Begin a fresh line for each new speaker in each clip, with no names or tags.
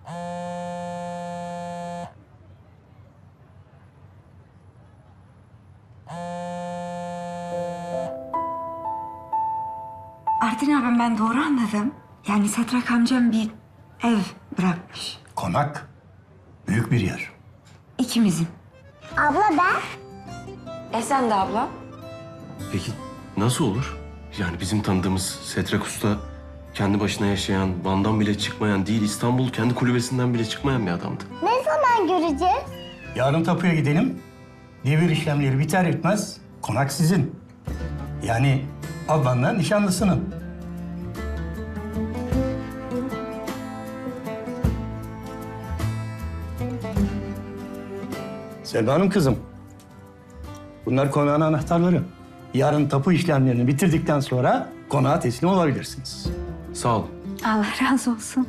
Artin abim, ben doğru anladım. Yani Setrak amcam bir ev bırakmış.
Konak büyük bir yer.
İkimizin.
Abla ben.
Sen de abla.
Peki nasıl olur? Yani bizim tanıdığımız Setrak Usta kendi başına yaşayan, Van'dan bile çıkmayan değil, İstanbul kendi kulübesinden bile çıkmayan bir adamdı.
Ne zaman göreceğiz?
Yarın tapuya gidelim. Devir işlemleri biter bitmez konak sizin. Yani ablanla nişanlısının. Selma Hanım kızım. Bunlar konağın anahtarları. Yarın tapu işlemlerini bitirdikten sonra konağa teslim olabilirsiniz.
Sağ ol.
Allah razı olsun.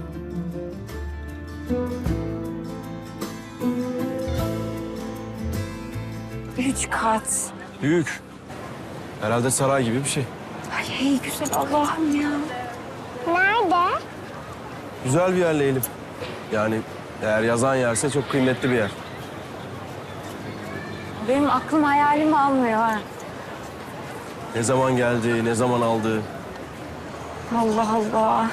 Üç kat.
Büyük. Herhalde saray gibi bir şey.
Ay ey güzel Allah'ım ya.
Nerede?
Güzel bir yer Leylim. Yani eğer yazan yerse çok kıymetli bir yer.
Benim aklım hayalimi almıyor ha.
Ne zaman geldi, ne zaman aldı.
Allah Allah.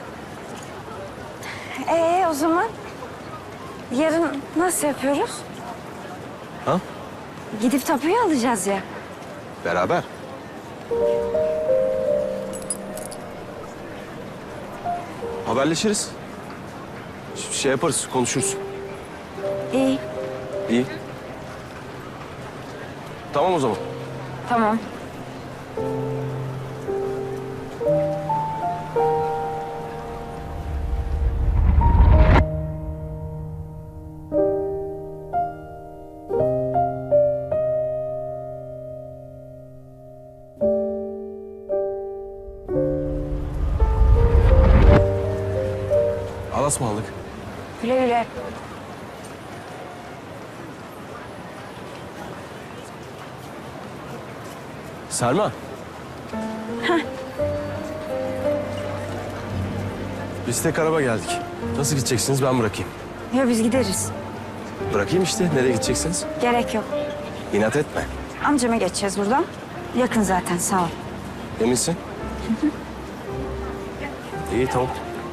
O zaman yarın nasıl yapıyoruz?
Ha?
Gidip tapuyu alacağız ya.
Beraber. Haberleşiriz. Şey yaparız, konuşuruz.
İyi,
İyi. Tamam o zaman.
tamam.
Alasmalık.
Güle güle.
Selma. Biz tek araba geldik. Nasıl gideceksiniz, ben bırakayım.
Ya biz gideriz.
Bırakayım işte, nereye gideceksiniz?
Gerek yok.
İnat etme.
Amcama geçeceğiz buradan. Yakın zaten, sağ ol.
Eminsin? İyi, tamam.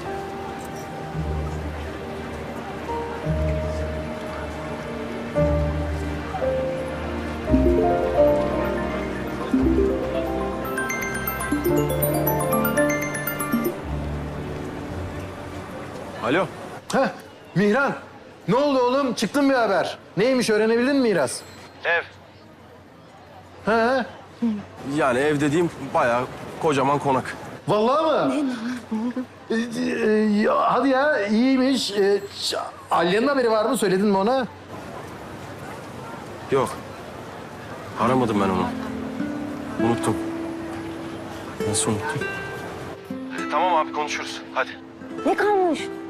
Alo.
Heh, Mihran. Ne oldu oğlum? Çıktın bir haber. Neymiş öğrenebildin mi miras?
Ev.
He.
Yani ev dediğim bayağı kocaman konak.
Vallahi mı? Ya, hadi ya iyiymiş. Aliye'nin haberi var mı? Söyledin mi ona?
Yok. Aramadım ben onu. Unuttum. Nasıl unuttum? Tamam abi konuşuruz. Hadi.
Ne kalmış?